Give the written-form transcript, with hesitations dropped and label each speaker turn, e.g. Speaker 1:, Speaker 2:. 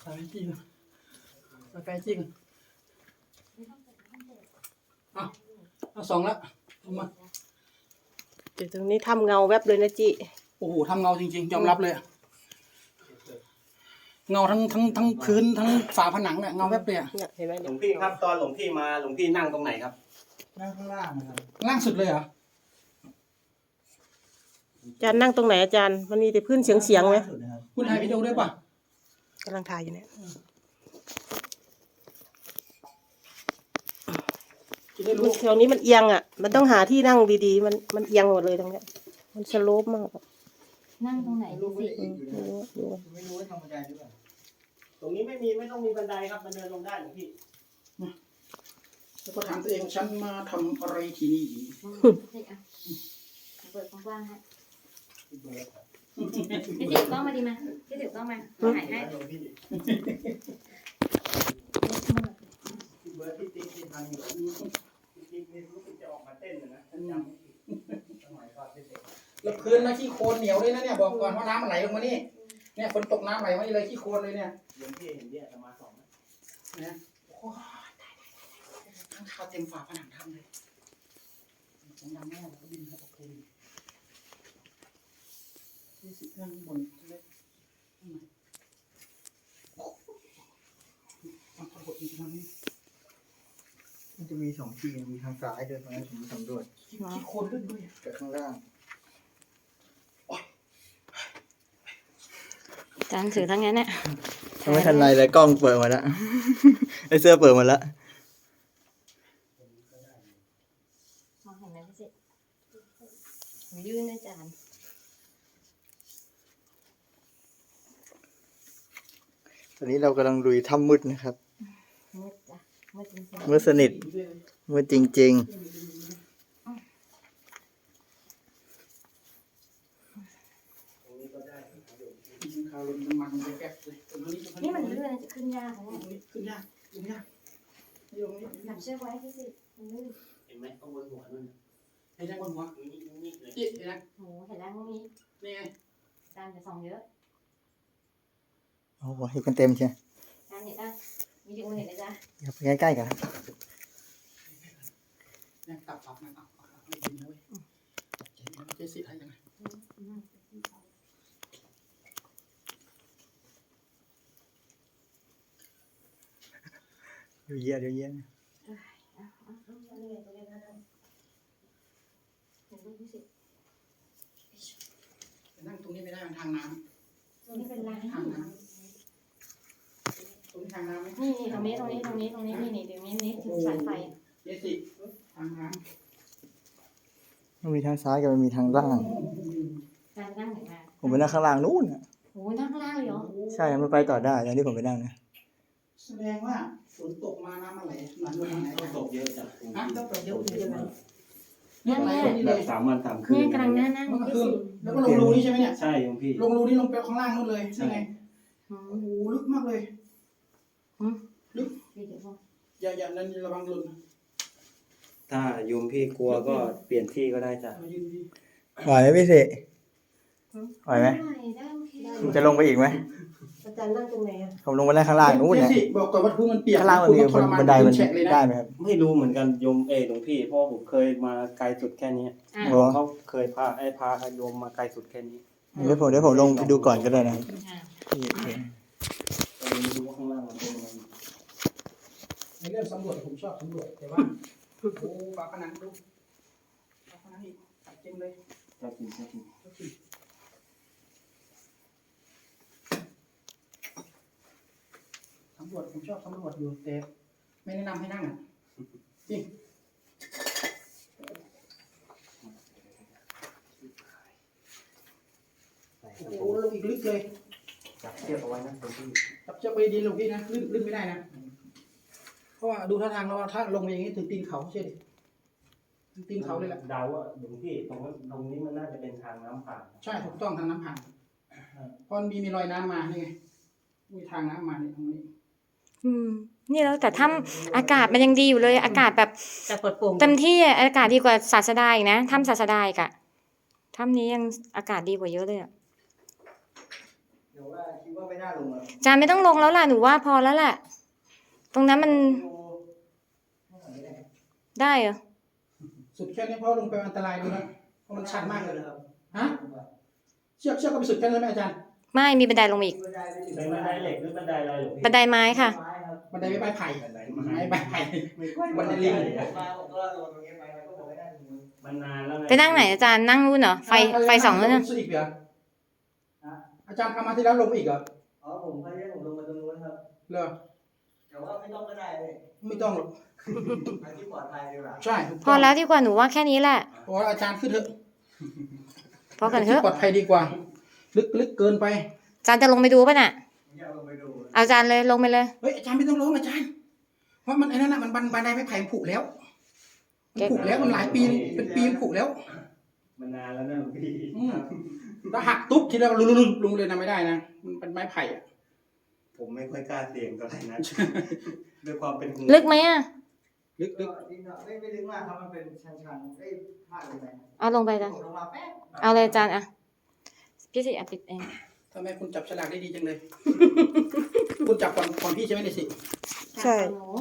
Speaker 1: ถ่ายจริงสกายจริงเอาสองละเอามา
Speaker 2: เดี๋ยวตรงนี้ทำเงาแวบเลยนะจิ
Speaker 1: โอ้โหทำเงาจริงๆยอมรับเลยเงาทั้งพื้นทั้งฝาผนังเนี่ยเงาแวบเลยอะ
Speaker 2: เนี่ยเห็นไหม
Speaker 3: หล
Speaker 2: เนี่
Speaker 3: วย งพี่ครับตอนหลวงพี่มาหลวงพี่นั่งตรงไหนครับ
Speaker 1: นั่งข้างล่างนะครับล่างสุดเลยเหรอ
Speaker 2: อาจารย์นั่งตรงไหนอาจารย์มันมีแต่พื้นเสียงไหม
Speaker 1: คุณถ่ายวิดีโอด้วยป่ะ
Speaker 2: กำลังถ่ายอยู่เนี่ย
Speaker 1: จะได้รู้
Speaker 2: แถวนี้มันเอียงอ่ะมันต้องหาที่นั่งดีๆมันเอียงหมดเลยตรงเนี้ยมันสโลปมากอะ
Speaker 4: นั่งตรงไหนดูสิ
Speaker 2: ไม่รู้ดู
Speaker 3: ไม่รู้ว่าทำบันไดหรือเปล่าตรงนี้ไม่ต้องมีบันไดครับมันเดินลงได้หลวงพี่
Speaker 1: แล้วก็ถามตัวเองฉันมาทำอะไรที่นี่
Speaker 4: เปิดกว้างๆให้พี่ถือกล้องมาดีมาพี่ถือกล้องมาถ่ายให้
Speaker 3: พี่เบิร์ดพี่ติ๊กที่ทำอยู่พี่ติ๊กนี่รู้สึกจะออกมาเต้นนะจำไม่ผิดสมัยก่อนเป็นเด็ก
Speaker 1: แล้วพื้นนะขี้โคลนเหนียวด้วยนะเนี่ยบอกก่อนว่าน้ำมันไหลลงมานี่เนี่ยฝนตกน้ำไหลมานี่เลยขี้โคลนเลยเนี่ย
Speaker 3: หลวงพี่เห็นเนี่ยจะมาสองนะ
Speaker 1: นะโอ้ยข้างคาวเต็มฝาผนังทำเลยผมดำแน่เลยบินเข้าไปนี่สินั่งบนเล็กมันทำบทอีกทางนี้
Speaker 5: มันจะมีสองที่มีทางซ้ายด้วยตอนนั้นผมสำรวจ
Speaker 1: ขี้โคลนลึกด้วย
Speaker 5: กับข้างล่าง
Speaker 4: จานถือทั้งนั้นเนี่ย
Speaker 5: ยังไม่ทันไรเลยกล้องเปิดมาแล้ว ไอเสื้อเปิดมาแล้ว
Speaker 4: มองเห็นไหมพี่สิยื่นอาจารย์
Speaker 5: ตอนนี้เรากำลังลุยถ้ำมืดนะครับ
Speaker 4: มืดจ้ะมืดจริง
Speaker 5: มืดสนิทมืดจริง
Speaker 1: คาวลมน้ำมันไปแป๊บเลยตรงนี้
Speaker 4: ๆนี่มันเลื่อนจะขึ้นยากนะเนี่ย
Speaker 1: ขึ้นยากลงยากนี่ลงนี้
Speaker 4: จับเชือกไว้พี่สิมันลื่น
Speaker 3: เห็นไหมข้างบนหัวนั่น
Speaker 1: ไอ้นั่งบนหัว
Speaker 3: นี่เลย
Speaker 1: จิ๊ดไอ้นั่ง
Speaker 4: โหเห็นแล้วพวกนี้
Speaker 1: นี่ไง
Speaker 4: จานจะส่องเยอะ
Speaker 5: ๆโอ้โหเห็นกันเต็มใช่
Speaker 4: จานเห็นอ่ะวิดีโอเห็นเลยจ้ะ
Speaker 5: ครับใกล้ๆกันครับ
Speaker 1: เนี่ยตับปับนะเอาให้ดีนะเว้ยเจ๊สิให้ยังไง
Speaker 5: เดี๋ยวเยี่ยเดี๋ยวเยี่ย
Speaker 4: เห็นรูปพี่สิ
Speaker 1: นั่งตรงนี้ไม่ได้มันทางน้
Speaker 4: ตรงนี้เป็นร้าน
Speaker 1: ำทางน้ำตรงนี้ทางน้ำไหม
Speaker 4: นี่ตรงนี้นี่ตรงนี้ตรงนี้ถึงสายไฟ
Speaker 1: เจ๊สิทางน้
Speaker 5: มันมีทางซ้ายกับมันมีทางล่าง
Speaker 4: จานนั่งไหนมา
Speaker 5: ผมไปนั่งข้างล่างนู่นน่ะ
Speaker 4: โหนั่งข้างล่างเลยเหรอ
Speaker 5: ใช่มันไปต่อได้ตอนที่ผมไปนั่งนะ
Speaker 1: ำแสดงว่าฝนตกมาน้ำมันไหลหลังลงมาไหน
Speaker 3: ตกเยอะจ้ะ
Speaker 1: ฮะต้องไปเยอะเลยใช่ไหม
Speaker 4: เนี่ย
Speaker 1: ไหล
Speaker 4: เนี่ย
Speaker 1: นี่
Speaker 3: แบ
Speaker 1: เล
Speaker 3: บ
Speaker 1: ย
Speaker 3: 3 วัน 3 คืน
Speaker 4: เนี่ยกำลังนั่ง
Speaker 1: เมื่อ
Speaker 4: พี่
Speaker 1: คืน
Speaker 4: สิ
Speaker 1: แล้วก็ลงรูนี่ใช่ไหมเนี่ย
Speaker 3: ใช่หลวงพี่
Speaker 1: ลงรูนี่ลงไปข้างล่างนู่นเลยใช่ไง
Speaker 4: อืม
Speaker 1: โอ้โหลึกมากเลย
Speaker 4: พี่เดี๋ยวบอก
Speaker 1: อย่านั่นระวังหล่น
Speaker 3: ถ้าโยมพี่กลัวก็เปลี่ยนที่ก็ได้จ้ะ
Speaker 1: เอายืนดี
Speaker 5: ไหวไหมพี่สิไหวไหม
Speaker 4: ได้โอเค
Speaker 5: ผมจะลงไปอีกไหม
Speaker 2: อาจารย์นั่งตรงไหนอ่ะ
Speaker 5: ผมลงไปนั่งข้างล่างนู่น
Speaker 1: เจ๊
Speaker 5: เนี่ย
Speaker 1: สิบอกก่อนว่าพื้นมันเปียก
Speaker 5: ข้างล่างมันมี
Speaker 1: คุณต้องทร
Speaker 5: บันไดมัน
Speaker 1: แฉะเลยนะ
Speaker 5: ได้ไหมครับ
Speaker 3: ไม่รู้เหมือนกันโยมหลวงพี่เพราะผมเคยมาไกลสุดแค่นี้
Speaker 4: อ่ะ
Speaker 5: โอ้
Speaker 3: เขาเคยพาโยมมาไกลสุดแค่นี้
Speaker 5: เดี๋ยวผมลงไปดูก่อนก็ได้นะครับ
Speaker 4: อ่ะ
Speaker 3: ก็เลยไม่รู้ว่าข้างล่างมันเป็นยังไง
Speaker 1: ในเรื่องสำรวจผมชอบสำรวจแต่ว่าโอ้ฝาผนังดูฝาผนังอีกเต็มเลย
Speaker 3: จะกินจะกิน
Speaker 1: สำรวจผมชอบสำรวจอยู่แต่ไม่แนะนำให้นั่งอ่ะจริงโอ้โหลงอีกลึกเลย
Speaker 3: จับเชือกเอาไว้นะหลวงพี่
Speaker 1: จับเจ้าไปดีลงพี่นะลึกไม่ได้นะเพราะว่าดูท่าทางแล้วว่าถ้าลงไปอย่างนี้ถึงตีนเขาใช่ดิถึงตีนเขาเลยแหละ
Speaker 3: เดาว่าหลวงพี่ตรงนี้มันน่าจะเป็นทางน้ำผ่าน
Speaker 1: ใช่ถูกต้องทางน้ำผ่านเพราะมันมีรอยน้ำมานี่ไงมีทางน้ำมาเนี่ยตรงนี้
Speaker 4: นี่แล้วแต่ถ้ำอากาศมันยังดีอยู่เลย อากาศแบบ
Speaker 2: แต่เปิดโปร่ง
Speaker 4: เต็มที่อะอากาศดีกว่าศาสดาอีกนะถ้ำศาสดาอีกอะถ้ำนี้ยังอากาศดีกว่าเยอะเลยอะ
Speaker 5: เแต่ว่าคิดว่าไม่น่าลงอะ
Speaker 4: อาจารย์ไม่ต้องลงแล้วล่ะหนูว่าพอแล้วแหละตรงนั้นมันได้เหรอ
Speaker 1: สุดแค่นี้เพราะลงไปอันตรายดูนะเพราะมันชันมากเลย
Speaker 5: ครับ
Speaker 1: ฮะเชือกก็ไปสุดแค่นั้นไหมอาจารย์
Speaker 4: ไม่มีบันไดลงมาอีก
Speaker 5: บันไดไปถึง
Speaker 3: เป็นบันไดเหล็กหรือบันไดอะไรหรอ
Speaker 4: บันไดไม้ค่ะ
Speaker 5: ไม้ครับ
Speaker 1: บันไดไม่ใบไผ่
Speaker 3: บันได
Speaker 1: ไม้ใบไผ่
Speaker 5: บันไดลิงมาผมก็ลงตรงนี้ไปแล้วก็บอกไม่ได้ถึงมือ
Speaker 3: มันนานแล้วไง
Speaker 4: ไปนั่งไหนอาจารย์นั่งนู่นเหรอไฟสองแล้วนะ
Speaker 1: สุดอีกเหรออาจารย์ทำมาที่แล้วลงอีกเหรอ
Speaker 5: อ๋อผมพยายามผมลงมาตรงนู้นครับ
Speaker 1: เหรอ
Speaker 5: แต่ว่าไม่ต้องก็ได้เลย
Speaker 1: ไม่ต้องหรอก
Speaker 5: ไปที่ปลอดภัยดีกว่า
Speaker 1: ใช่
Speaker 4: พอแล้วดีกว่าหนูว่าแค่นี้แหละ
Speaker 1: เพราะว่าอาจารย์ขึ้นเถอะ
Speaker 4: พอกันเถอะ
Speaker 1: ปลอดภัยดีกว่า ลึกเกินไป
Speaker 4: อาจารย์จะลงไปดูป่ะน่ะ
Speaker 5: ผมอยากลงไปดู
Speaker 4: เอาอาจารย์เลยลงไปเลย
Speaker 1: เฮ้ยอาจารย์ไม่ต้องลงอาจารย์เพราะมันไอ้นั่นน่ะมันบันไดไม่ไผ่ผุแล้วมันผุแล้วมันหลายปีเป็นปีมันผุแล้ว
Speaker 3: มันนานแล้วนะหลวงพี่
Speaker 1: ถ้าหักตุ๊บทีแล้วลุงเลยนะไม่ได้นะมันเป็นไม้ไผ่อะ
Speaker 3: ผมไม่ค่อยกล้าเสี่ยงเท่าไหร่นะด้วยความเป็นห่วง
Speaker 4: ลึกไหมอ่ะ
Speaker 1: ลึก
Speaker 5: ก็นิดหน่อยไม่ลึกมากครับมันเป็นชันๆได้พลาดลงไป
Speaker 4: เอาลงไปอาจารย์
Speaker 5: ลงมาแป๊บ
Speaker 4: เอาเลยอาจารย์อ่ะพี่สิอ่ะปิดเอง
Speaker 1: ทำไมคุณจับฉลากได้ดีจังเลย คุณจับก่อนพี่ใช่ไหมเนี่ยสิ
Speaker 2: ใช่
Speaker 4: หนู